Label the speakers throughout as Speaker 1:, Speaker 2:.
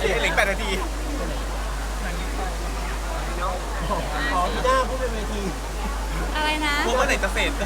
Speaker 1: เหลือ8 นาที
Speaker 2: อ๋อพี่หน้าพูดเป็นเวที
Speaker 3: อะไรนะ
Speaker 1: พวกเมื่อไหร่จะเสร็จ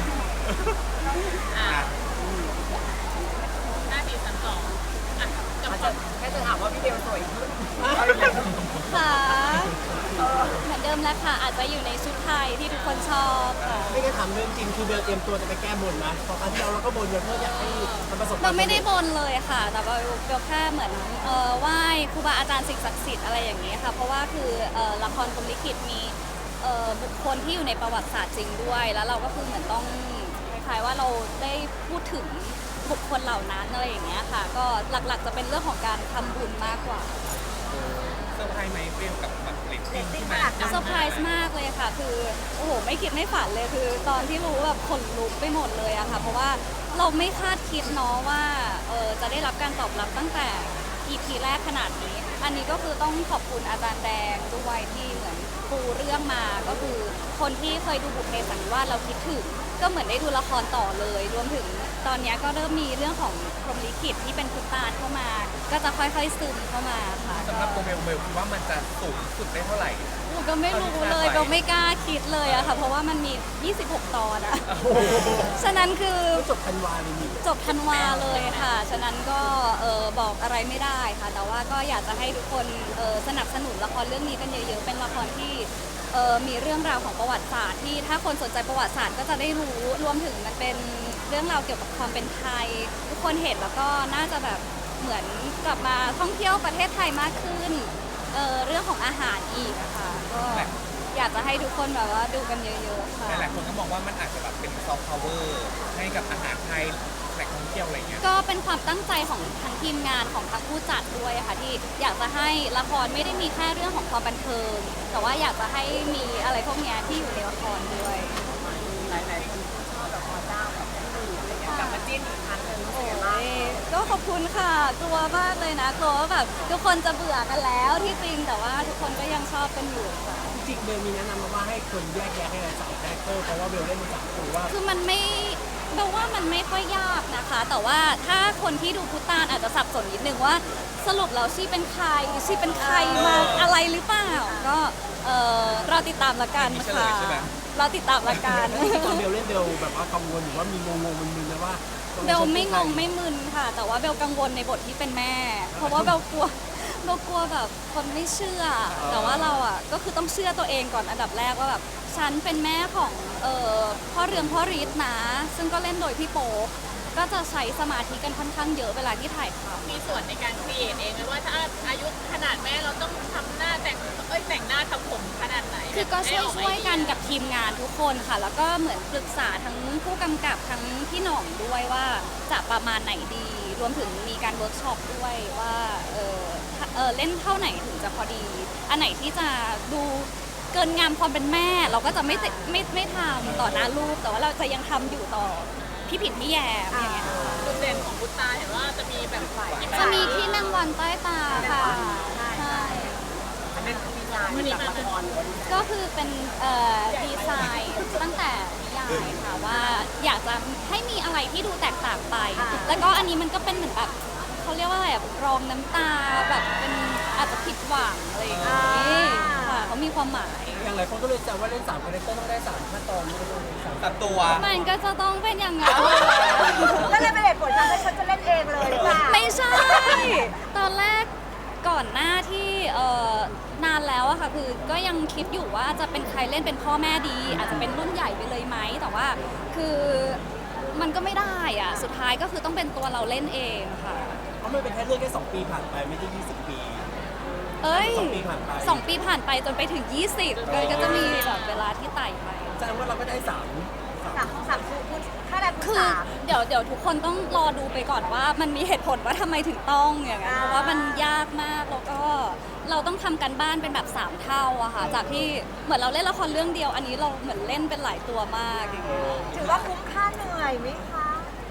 Speaker 4: หน้าที่2อ่ะกับความ
Speaker 5: แค่จะถามว่าพี่เบลสวยขึ้น
Speaker 3: ค่ะเหมือนเดิมแล้วค่ะ อาจจะอยู่ในชุดไทยที่ทุกคนชอบค่ะ
Speaker 2: ไม่ได้ทำเรื่องจริงคือเบลเตรียมตัวจะไปแก้บนนะพอครั้งที่เราก็บนเพื่ออยากให้มันประสบความ
Speaker 3: เรา
Speaker 2: สำ
Speaker 3: ไม่
Speaker 2: เร็
Speaker 3: ได้
Speaker 2: จ
Speaker 3: บนเลยค่ะ แต่ว่าเบลแค่เหมือนไหว้ครูบาอาจารย์สิ่งศักดิ์สิทธิ์อะไรอย่างนี้ค่ะ เพราะว่าคือละครพรหมลิขิตมีบุคคลที่อยู่ในประวัติศาสตร์จริงด้วย แล้วเราก็คือเหมือนต้องคล้ายๆว่าเราได้พูดถึงบุคคลเหล่านั้นอะไรอย่างเงี้ยค่ะ ก็หลักๆจะเป็นเรื่องของการทำบุญมากกว่า
Speaker 1: เซอร์ไพรส์ไหมเปรี้ยวกับแบบเรตติ้งที่
Speaker 5: ข
Speaker 1: มัน
Speaker 5: นาดนั้น
Speaker 3: เซอร์ไพรส์มากเลยค่ะ คือโอ้โหไม่คิดไม่ฝันเลยคือตอนที่รู้แบบขนลุกไปหมดเลยอะค่ะ เพราะว่าเราไม่คาดคิดเนาะว่าจะได้รับการตอบรับตั้งแต่ EP แรกขนาดนี้ อันนี้ก็คือต้องขอบคุณอาจารย์แดงด้วยที่เหมือนปูเรื่องมาก็คือคนที่เคยดูบุพเพสันนิวาสเราคิดถึงก็เหมือนได้ดูละครต่อเลย รวมถึงตอนนี้ก็เริ่มมีเรื่องของพรหมลิขิตที่เป็นพุทธาเข้ามา ก็จะค่อยๆซึมเข้ามาค่ะ
Speaker 1: สำหรับตัวเบลคิดว่ามันจะสูงสุดได้เท่าไหร่
Speaker 3: หนูก็ไม่รู้เลยก็ไม่กล้าคิดเลยอะค่ะ เพราะว่ามันมี 26 ตอนอะ ฉะนั้นคือ
Speaker 2: จบธันวาเลยนี่
Speaker 3: จบธันวาเลยค่ะ ฉะนั้นก็บอกอะไรไม่ได้ค่ะ แต่ว่าก็อยากจะให้ทุกคนสนับสนุนละครเรื่องนี้กันเยอะๆ เป็นละครที่มีเรื่องราวของประวัติศาสตร์ที่ถ้าคนสนใจประวัติศาสตร์ก็จะได้รู้รวมถึงมันเป็นเรื่องราวเกี่ยวกับความเป็นไทย ทุกคนเห็นแล้วก็น่าจะแบบเหมือนกลับมาท่องเที่ยวประเทศไทยมากขึ้นเรื่องของอาหารอีกอะค่ะก็อยากจะให้ทุกคนแบบว่าดูกันเยอะๆค่ะ
Speaker 1: หลายๆคนก็มองว่ามันอาจจะแบบเป็นซอฟต์พาวเวอร์ให้กับอาหารไทยแหล่งท่องเที่ยวอะไรเงี้ย
Speaker 3: ก็เป็นความตั้งใจของทั้งทีมงานของทั้งผู้จัดด้วยค่ะที่อยากจะให้ละครไม่ได้มีแค่เรื่องของความบันเทิง แต่ว่าอยากจะให้มีอะไรพวกเนี้ยที่อยู่ในละครด้วย
Speaker 5: หลายๆคนชอบแบบพอเจ้ากับพี่หนุ่มอะไรเงี้ยกลับมาจิ้นอีกครั้งหนึ่งรู้สึกยังไงบ้าง
Speaker 3: ก็ขอบคุณค่ะกลัวมากเลยนะกลัวว่าแบบทุกคนจะเบื่อกันแล้วที่จริงแต่ว่าทุกคนก็ยังชอบกันอยู่ค่ะ
Speaker 2: จริงๆเบลมีแนะนำมาว่าให้คนแยกแยะให้สาวคาแรคเตอร์เพราะว่าเบลเล่นมาจากตัวว่า
Speaker 3: คือมันไม่แปลว่ามันไม่ค่อยยากนะคะ แต่ว่าถ้าคนที่ดูพุตานอาจจะสับสนนิดนึงว่าสรุปแล้วชีเป็นใครชีเป็นใครมาอะไรหรือเปล่าก็เราติดตามละกันค่ะเราติดตามละกัน
Speaker 2: ตอนเบลเล่นเบลแบบว่ากังวลหรือว่ามีงงๆมึนๆนะว่า
Speaker 3: เบลไม่งงไม่มึนค่ะ แต่ว่าเบลกังวลในบทที่เป็นแม่ เพราะว่าเบลกลัวแบบคนไม่เชื่อ แต่ว่าเราอ่ะก็คือต้องเชื่อตัวเองก่อนอันดับแรกว่าแบบฉันเป็นแม่ของพ่อเรืองพ่อฤทธิ์นะ ซึ่งก็เล่นโดยพี่โป๊ปก็จะใช้สมาธิกันค่อนข้างเยอะเวลาที่ถ่ายทำ
Speaker 4: มีส่วนในการครีเอทเองไหมว่าถ้าอายุขนาดแม่เราต้องทำหน้าแต่งหน้าทำผมขนาดไหน
Speaker 3: คือก็ช่วยกันกับทีมงานทุกคนค่ะ แล้วก็เหมือนปรึกษาทั้งผู้กำกับทั้งพี่หน่องด้วยว่าจะประมาณไหนดี รวมถึงมีการเวิร์กช็อปด้วยว่าเล่นเท่าไหนถึงจะพอดี อันไหนที่จะดูเกินงามความเป็นแม่ เราก็จะไม่ทำต่อหน้าลูก แต่ว่าเราจะยังทำอยู่ต่อพี่ผิดพี่แยมอย่างเงี้ยค่ะ
Speaker 4: จุดเด่นของบุตตาเห็นว่าจะมีแบบฝ่าย
Speaker 3: จะมีที่นางวันใต้ตาค่ะใช่
Speaker 5: อันนั้นคือมีงานจากละครเลย
Speaker 3: ก็คือเป็นดีไซน์ตั้งแต่นิยายค่ะว่าอยากจะให้มีอะไรที่ดูแตกต่างไป แล้วก็อันนี้มันก็เป็นเหมือนแบบเขาเรียกว่าอะไรแบบรองน้ำตาแบบเป็นอาจจะผิดหวังอะไรอย่างเงี้ยค่ะเขามีความหมาย
Speaker 2: อย่างหลายคนก็เลยแซวว่าเล่น3คาแรคเตอร์ต้องได้3ขั้นตอนไม่ต้องสาม
Speaker 1: ตัดตัว
Speaker 3: มันก็จะต้องเป็นอย่างนั้น
Speaker 5: ก็เลยเป็นเหตุผลทำให้ฉันจะเล่นเองเลยหรือเปล่า
Speaker 3: ไม่ใช่ ตอนแรกก่อนหน้าที่นานแล้วอะค่ะคือก็ยังคิดอยู่ว่าจะเป็นใครเล่นเป็นพ่อแม่ดี อาจจะเป็นรุ่นใหญ่ไปเลยไหมแต่ว่าคือมันก็ไม่ได้อะสุดท้ายก็คือต้องเป็นตัวเราเล่นเองค่ะ
Speaker 2: เพราะมันเป็นแค่เรื่องแค่2 ปีผ่านไปไม่ใช่20 ปี
Speaker 3: เอ้ย
Speaker 2: 2 ปีผ่านไป
Speaker 3: 2 ปีผ่านไปจนไปถึง 20ก็จะมีแบบเวลาที่ไต่ไป
Speaker 2: แสดงว่าเราก็ได้3
Speaker 5: สามคุณค่าแรงคุณ
Speaker 3: คือ
Speaker 5: สาม
Speaker 3: เดี๋ยวทุกคนต้องรอดูไปก่อนว่ามันมีเหตุผลว่าทำไมถึงต้องอย่างนั้นเพราะว่ามันยากมากแล้วก็เราต้องทำกันบ้านเป็นแบบ3เท่าอะค่ะจากที่เหมือนเราเล่นละครเรื่องเดียวอันนี้เราเหมือนเล่นเป็นหลายตัวมากอย่างเงี้ย
Speaker 5: ถือว่าคุ้มค่าเหนื่อยไหมคะ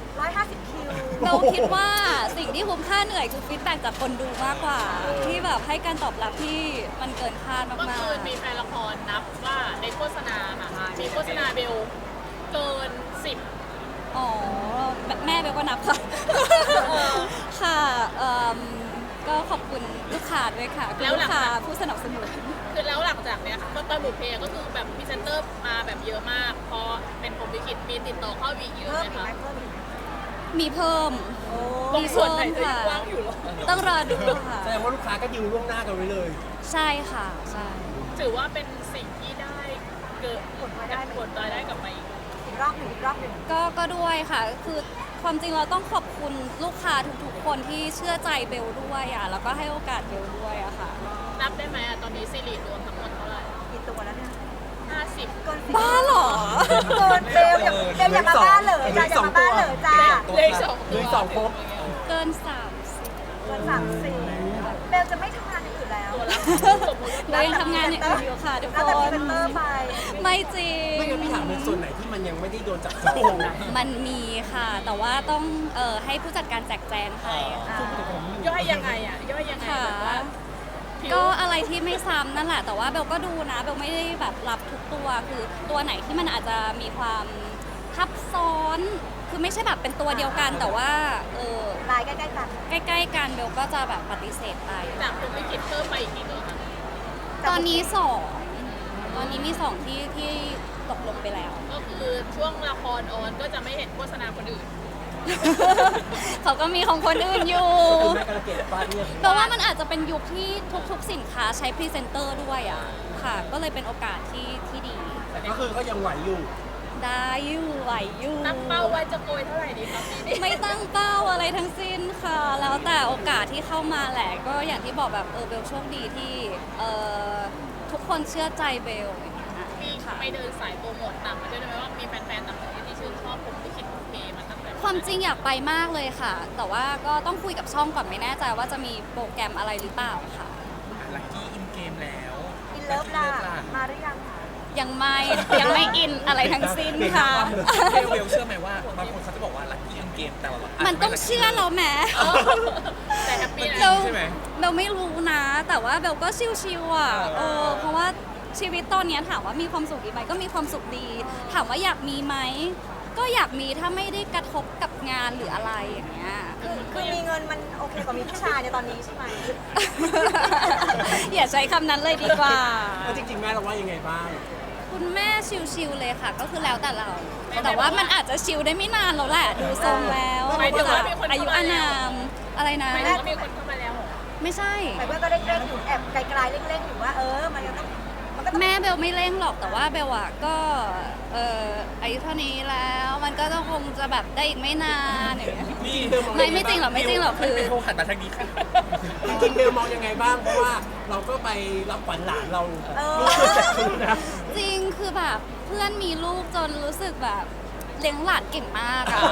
Speaker 5: 150 คิว
Speaker 3: เราคิดว่าสิ่งที่คุ้มค่าเหนื่อยคือฟีดแบ็กจากคนดูมากกว่า ที่แบบให้การตอบรับที่มันเกินคาด
Speaker 4: เมื่อ
Speaker 3: มาก
Speaker 4: คืนมีแฟนละครนับว่าในโฆษณาค่ะมีโฆษณาเบลเกิน 10
Speaker 3: ๆอ๋อแม่เบลก็นับค่ะ ค่ะก็ขอบคุณลูกค้าด้วยค่ะคุณลูกค้าผู้สนับสนุน
Speaker 4: คือแล้วหลังจากเนี้ยก็ตอนบุพเพก็คือแบบพรีเซนเตอร์มาแบบเยอะมาก พอเป็นผมลิขิตมีติดต่อเข้าวีเยอะ
Speaker 5: เพิ่ม
Speaker 4: ไหม
Speaker 5: อีก
Speaker 4: คะ
Speaker 5: ไหมเพิ่มอีกไหม
Speaker 3: มีเพิ่ม
Speaker 4: ตรงส่วนไหนจะยังกว้างอยู่หรอ
Speaker 3: ต้องรอดูค่ะ
Speaker 2: แสดงว่าลูกค้าก็ดิวล่วงหน้ากันไว้เลย
Speaker 3: ใช่ค่ะใช่
Speaker 4: ถือว่าเป็นสิ่งที่ได้เกิดผลรายได้กลับมาอีก
Speaker 5: อีกรอบหนึ่งอีกรอบหนึ่ง
Speaker 3: ก็ด้วยค่ะคือความจริงเราต้องขอบคุณลูกค้าทุกๆคนที่เชื่อใจเบลด้วยอ่ะแล้วก็ให้โอกาสเบลด้วยอะค่ะ
Speaker 4: นับได้ไหมอะตอนนี้ซีรีส์รวมทั้งหมดเท่าไหร่
Speaker 5: กี่ตัวแล้วเนี่ย
Speaker 4: 50
Speaker 5: เกิน10
Speaker 3: บ้าเหรอ
Speaker 5: เกินเบลอย่ามาบ้าเลยจ้าอย่ามาบ้าเลยจ้า
Speaker 4: เลขสอง
Speaker 2: เหลืออีกสองครบ
Speaker 3: เกิน30
Speaker 5: เกิน30เบลจะไม่ทำงานอย่างอื่นแล้ว
Speaker 4: ตัวละสมมติ
Speaker 3: เรายังทำงานอย่างอื่นอยู่ค่ะทุก
Speaker 5: แล้ว
Speaker 3: ค
Speaker 5: แต่พรี
Speaker 3: น
Speaker 5: เซนเตอร์ไป
Speaker 3: ไม่จริง
Speaker 2: ไม่งั้นพี่ถามในส่วนไหนที่มันยังไม่ได้โดนจับจอง
Speaker 3: มันมีค่ะ แต่ว่าต้องให้ผู้จัดการแจกแจงให้ค่ะ
Speaker 4: ย่อยยังไงอะย่อยยังไง
Speaker 3: ค่ะ
Speaker 4: แบบว่าผิว
Speaker 3: ก็อะไรที่ไม่ซ้ำนั่นแหละ แต่ว่าเบลก็ดูนะเบลไม่ได้แบบรับทุกตัวคือตัวไหนที่มันอาจจะมีความทับซ้อน คือไม่ใช่แบบเป็นตัวเดียวกัน แต่ว่า
Speaker 5: ลายใกล้ๆกัน
Speaker 3: ใกล้ๆกันเบลก็จะแบบปฏิเสธไป
Speaker 4: จากผมลิขิตเพิ่มไปอีกกี่ตัวคะ
Speaker 3: ตอนนี้สองตอนนี้มีสองที่ตกลงไปแล้ว
Speaker 4: ก็คือช่วงละครออนก็จะไม่เห็นโฆษณาคนอื่น
Speaker 3: เขาก็มีของคนอื่นอยู่
Speaker 2: แม่กระเกดป้าเนี่ย
Speaker 3: แปลว่ามันอาจจะเป็นยุคที่ทุกๆสินค้าใช้พรีเซนเตอร์ด้วยอ่ะค่ะ ก็เลยเป็นโอกาสที่ดี
Speaker 2: แต่ก็คือก็ยังไหวอยู่
Speaker 3: ได้อยู่ไหวอยู่
Speaker 4: ตั้งเป้าไว้จะโกยเท่าไหร่ดีครับปีนี้
Speaker 3: ไม่ตั้งเป้าอะไรทั้งสิ้นค่ะ แล้วแต่โอกาสที่เข้ามาแหละ ก็อย่างที่บอกแบบเบลโชคดีที่ทุกคนเชื่อใจเบลอย่างเงี้ย
Speaker 4: มี
Speaker 3: ค่ะ
Speaker 4: ไม่เดินสายโปรโมทต่างประเทศได้ไหมว่ามีแฟนๆต่างประเทศที่ชื่นชอบผมลิขิตบุพเพมาตั้งแต่
Speaker 3: ความจริงอยากไปมากเลยค่ะ แต่ว่าก็ต้องคุยกับช่องก่อนไม่แน่ใจว่าจะมีโปรแกรมอะไรหรือเปล่าค่ะ
Speaker 1: ลักกี้อินเกมแล้ว
Speaker 5: อินเลิฟล่ะมาหรือยังคะ
Speaker 3: ยังไม่อินอะไรทั้งสิ้นค่ะ
Speaker 1: เบลเชื่อไหมว่าบางคนเขาจะบอกว่าลักกี้อินเกมแต่ว่า
Speaker 3: มันต้องเชื่อเราแหม
Speaker 4: แต่แฮปปี้
Speaker 3: เบ
Speaker 4: นะ
Speaker 3: ล
Speaker 1: ใช่ไหม
Speaker 3: เบลไม่รู้นะ แต่ว่าเบลก็ชิวๆอ่ะเพราะว่าชีวิตตอนเนี้ยถามว่ามีความสุขดีไหมก็มีความสุขดี ถามว่าอยากมีไหมก็อยากมีถ้าไม่ได้กระทบกับงานหรืออะไรอย่างเงี้ย
Speaker 5: คือมีเงินมันโอเคกว่ามีผู้ชายในตอนนี้ใช่ไหม
Speaker 3: อย่าใช้คำนั้นเลยดีกว่า
Speaker 2: แล้วจริงๆแม่เราว่ายังไงบ้าง
Speaker 3: คุณแม่ชิวๆเลยค่ะ ก็คือแล้วแต่เรา แต่ว่ามันอาจจะชิวได้ไม่นานแล้วแหละ ดูทรงแล้ว
Speaker 4: หมายถึงว่ามีคน
Speaker 3: อายุอานามอะไรนะ
Speaker 4: หมายถึงว่ามีคนเข้ามาแล้วเหรอ
Speaker 3: ไม่ใช่
Speaker 5: แต่เพื่อนก็เร่งๆอยู่แอบไกลๆเร่งๆอยู่ว่ามันยังต้องมันก็ต้อง
Speaker 3: แม่เบลไม่เร่งหรอกแต่ว่าเบลอะก็อายุเท่านี้แล้วมันก็ต้องคงจะแบบได้อีกไม่นานอย่างเงี้ย
Speaker 2: นี่เบลมอง
Speaker 3: ไม่จริงหรอกไม่จริงหรอกคือ
Speaker 1: เป็นโทรหันมาทางนี้ค่ะ
Speaker 2: จริงๆเบลมองยังไงบ้าง เพราะว่าเราก็ไปรับขวัญหลานเรา
Speaker 5: เออ
Speaker 2: ลูกคือจากคุณนะ
Speaker 3: จริงคือแบบเพื่อนมีลูกจนรู้สึกแบบเลี้ยงหลานเก่งมากอะ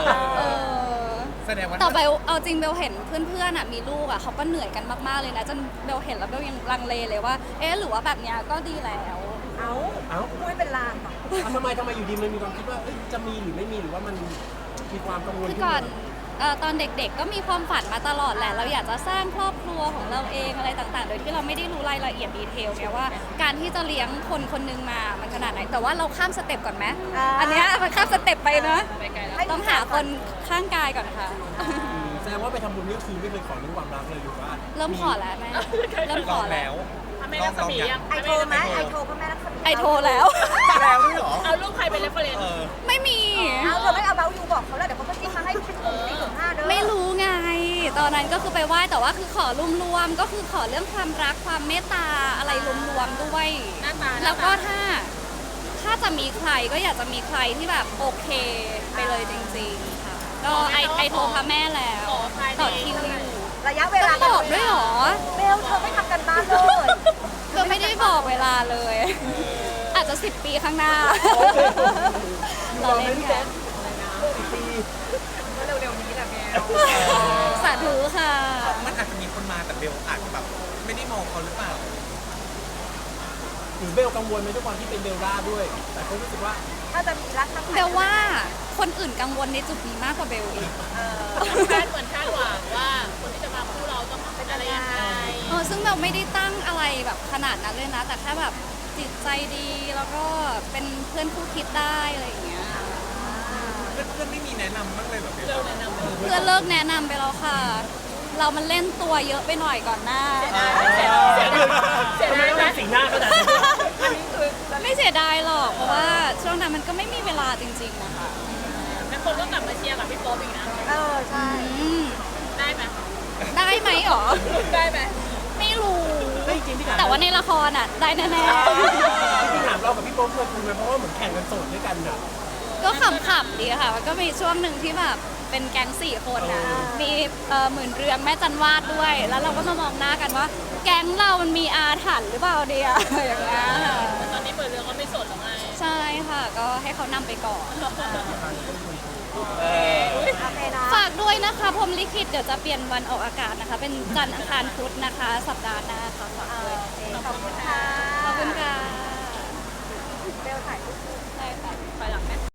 Speaker 1: แสดงว่า
Speaker 3: แต่เบลเอาจริงเบลเห็นเพื่อนๆอะมีลูกอะเขาก็เหนื่อยกันมากๆเลยนะจนเบลเห็นแล้วเบลยังลังเลเลยว่าหรือว่าแบบเนี้ยก็ดีแล้ว
Speaker 5: เอา
Speaker 2: เอ้า
Speaker 5: พูดให้เป็นลางเหรอ
Speaker 2: ทำไมอยู่ดีมันมีความคิดว่าเอ้ยจะมีหรือไม่มีหรือว่ามันมีความกังวล
Speaker 3: คือ
Speaker 2: ขึ้น
Speaker 3: ก่อ
Speaker 2: มาน
Speaker 3: ตอนเด็กๆก็มีความฝันมาตลอดแหละเราอยากจะสร้างครอบครัวของเราเองอะไรต่างๆ โดยที่เราไม่ได้รู้รายละเอียดดีเทลไงว่า การที่จะเลี้ยงคนคนหนึงมามันขนาดไหนแต่ว่าเราข้ามสเต็ปก่อนไหมอันเนี้ยมันข้ามสเต็ปไปนะ
Speaker 4: ไปไกลแล้ว
Speaker 3: ต้องหาคนข้างกายก่อนค่ะ
Speaker 2: แสดงว่าไปทำบุญนี่คือไม่เคยขอเรื่องความรักเลยหรือว่า
Speaker 3: เริ่มขอแล้วแม่เริ่มข
Speaker 1: ล
Speaker 3: อ
Speaker 1: อง
Speaker 3: แล้
Speaker 1: แล้ว ว
Speaker 4: ทำให้รักษมียัง
Speaker 5: ไอโทรไหมไอโทรพ่อแม่รักษมี
Speaker 3: ไอโทรแล้ว
Speaker 1: แล้วด้วยเหรอ
Speaker 4: เอารูปใครเป็นเรฟเฟรนซ์
Speaker 1: เออ
Speaker 3: ไม่มี
Speaker 5: เอาเธอไม่เอาเบลยูบอกเขาแล้วเดี๋ยวเขาก็จิ้มมาให้เป็น4.5เด้อ
Speaker 3: ไม่รู้ไง ตอนนั้นก็คือไปไหว้แต่ว่าคือขอรวมๆก็คือขอเรื่องความรักความเมตตาอะไรรวมๆด้วย
Speaker 4: หน้าตา
Speaker 3: แล้วก็ถ้าจะมีใครก็อยากจะมีใครที่แบบโอเคไปเลยจริงๆค่ะก็ไอโทรพระแม่แล้ว
Speaker 4: ขอภายใน
Speaker 3: ต่อคิวอยู่
Speaker 5: ระยะเวลา
Speaker 3: ต้องบอกด้วยเหรอ
Speaker 5: เบลเธอไม่ทำกันบ้านเลย
Speaker 3: ก็ไม่ได้บอกเวลาเลย อาจจะ10 ปีข้างหน้า
Speaker 2: อยู่รอไหมพี่แจ๊คปี
Speaker 5: เร็วๆนี้แหละเบล
Speaker 3: สาธุค่ะ
Speaker 1: มันอาจจะมีคนมาแต่เบลอาจจะแบบไม่ได้มองเขาหรือเปล่า
Speaker 2: หรือเบลกังวลไหมด้วยความที่เป็นเบลล่าด้วย แต่ก็รู้สึกว่า
Speaker 5: ถ้าจะมีรักทั้ง
Speaker 3: เบลว่าคนอื่นกังวลในจุดนี้มากกว่าเบลอีก
Speaker 4: เหมือนคาดหวังว่าคนที่จะมาคู่เราต้องเป็นอะไรยังไง
Speaker 3: ซึ่งเบลไม่ได้ตั้งอะไรแบบขนาดนั้นเลยนะ แต่แค่แบบจิตใจดีแล้วก็เป็นเพื่อนคู่คิดได้อะไรอย่างเงี้ย
Speaker 1: เพื่อนไม่มีแนะนำบ้างเลยเหรอเบล
Speaker 4: เร็วแนะนำเลย
Speaker 3: เพื่อนเลิกแนะนำไปแล้วค่ะ
Speaker 5: เ
Speaker 3: เรามันเล่นตัวเยอะไปหน่อยก่อนหน้า
Speaker 2: ทำไมต้องเป็นสีหน้าขนาดนี้
Speaker 3: ไม่เสียดายหรอกเพราะว่าช่วงนั้นมันก็ไม่มีเวลาจริงๆนะคะ
Speaker 4: แล้วคนก็กลับมาเชียร์กับพี่โป๊ปอีกนะ
Speaker 5: ใช่
Speaker 3: อืม
Speaker 4: ได้ไหม
Speaker 3: ได้ไหมหรอ
Speaker 4: ได้ไหม
Speaker 3: ไม่รู้
Speaker 2: ไม่จริงพี่ถาม
Speaker 3: แต่ว่าในละครอ่ะ ได้แน่
Speaker 2: พี่ถามเรากับพี่โป๊ปเคยคุยไหมเพราะว่าเหมือนแข่งกันโสดด้วยกันอ่ะ
Speaker 3: ๆก็ขำๆดีค่ะ มันก็มีช่วงหนึ่งที่แบบเป็นแก๊ง4 คนนะมีหมื่นเรืองแม่จันวาดด้วย แล้วเราก็มามองหน้ากันว่า แก๊งเรามันมีอาถรรพ์หรือเปล่าเดียอย่างเงี้ยค่ะ
Speaker 4: แต่ตอนนี้เปิดเรือก็ไม่สดหรอกไง
Speaker 3: ใช่ค่ะ ก็ให้เขานำไปก่อน
Speaker 5: โอเคนะ
Speaker 3: ฝากด้วยนะคะพรหมลิขิตเดี๋ยวจะเปลี่ยนวันออกอากาศนะคะ เป็นจันทร์อังคารพุธนะคะ สัปดาห์หน้าค่ะฝากด้วย
Speaker 5: ขอบคุณค่ะ
Speaker 3: ขอบคุณค่ะ
Speaker 5: เบลถ่ายรูป
Speaker 3: ได้ค่ะ
Speaker 4: ไปหลังไหม